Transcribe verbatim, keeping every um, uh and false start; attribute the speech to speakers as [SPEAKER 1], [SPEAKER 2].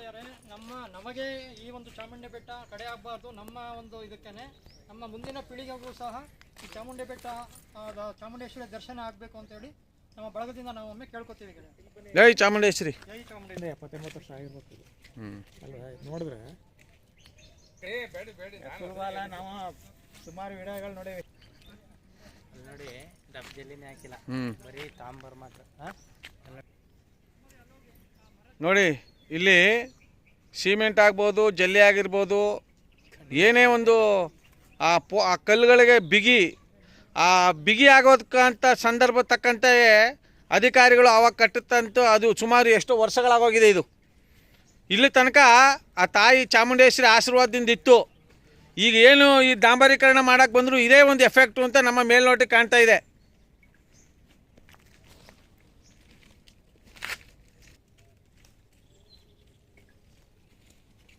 [SPEAKER 1] ಗೆಳೆಯರೇ, ನಮ್ಮ ನಮಗೆ ಈ ಒಂದು ಚಾಮುಂಡಿ ಬೆಟ್ಟ ಕಡೆ ಆಗಬಾರ್ದು. ನಮ್ಮ ಒಂದು ಇದಕ್ಕೇನೆ ನಮ್ಮ ಮುಂದಿನ ಪೀಳಿಗೆಗೂ ಸಹ ಈ ಚಾಮುಂಡಿ ಬೆಟ್ಟ ಚಾಮುಂಡೇಶ್ವರಿ ದರ್ಶನ ಆಗಬೇಕು ಅಂತೇಳಿ ನಮ್ಮ ಬಳಗದಿಂದ ನಾವು ಒಮ್ಮೆ ಕೇಳ್ಕೊತೀವಿ ಗೆಳೆಯ.
[SPEAKER 2] ಜೈ ಚಾಮುಂಡೇಶ್ವರಿ.
[SPEAKER 1] ಜೈ ಚಾಮುಂಡೇಶ್ವರಿ.
[SPEAKER 3] ಎಪ್ಪತ್ತೆಂಬತ್ತು ವರ್ಷ ಆಗಿರ್ಬೇಕು
[SPEAKER 2] ಹ್ಞೂ
[SPEAKER 3] ಅಲ್ವಾ? ನೋಡಿದ್ರೆ ನಾವು ಸುಮಾರು ವಿಡಿಯೋಗಳು ನೋಡೇವಿ. ನೋಡಿ ಡಬ್ ಜಲ್ಲಿನೇ ಹಾಕಿಲ್ಲ, ಬರೀ ತಾಂಬರ್ ಮಾತ್ರ.
[SPEAKER 2] ನೋಡಿ ಇಲ್ಲಿ ಸಿಮೆಂಟ್ ಆಗ್ಬೋದು, ಜಲ್ಲಿ ಆಗಿರ್ಬೋದು, ಏನೇ ಒಂದು ಆ ಪೋ ಆ ಕಲ್ಲುಗಳಿಗೆ ಬಿಗಿ ಆ ಬಿಗಿ ಆಗೋದಕ್ಕಂಥ ಸಂದರ್ಭ ತಕ್ಕಂತೆ ಅಧಿಕಾರಿಗಳು ಆವಾಗ ಕಟ್ಟುತ್ತಂತೂ ಅದು ಸುಮಾರು ಎಷ್ಟೋ ವರ್ಷಗಳಾಗೋಗಿದೆ. ಇದು ಇಲ್ಲಿ ತನಕ ಆ ತಾಯಿ ಚಾಮುಂಡೇಶ್ವರಿ ಆಶೀರ್ವಾದದಿಂದ ಇತ್ತು. ಈಗ ಏನು ಈ ಡಾಂಬರೀಕರಣ ಮಾಡೋಕ್ಕೆ ಬಂದರೂ ಇದೇ ಒಂದು ಎಫೆಕ್ಟು ಅಂತ ನಮ್ಮ ಮೇಲ್ನೋಟಕ್ಕೆ ಕಾಣ್ತಾ ಇದೆ.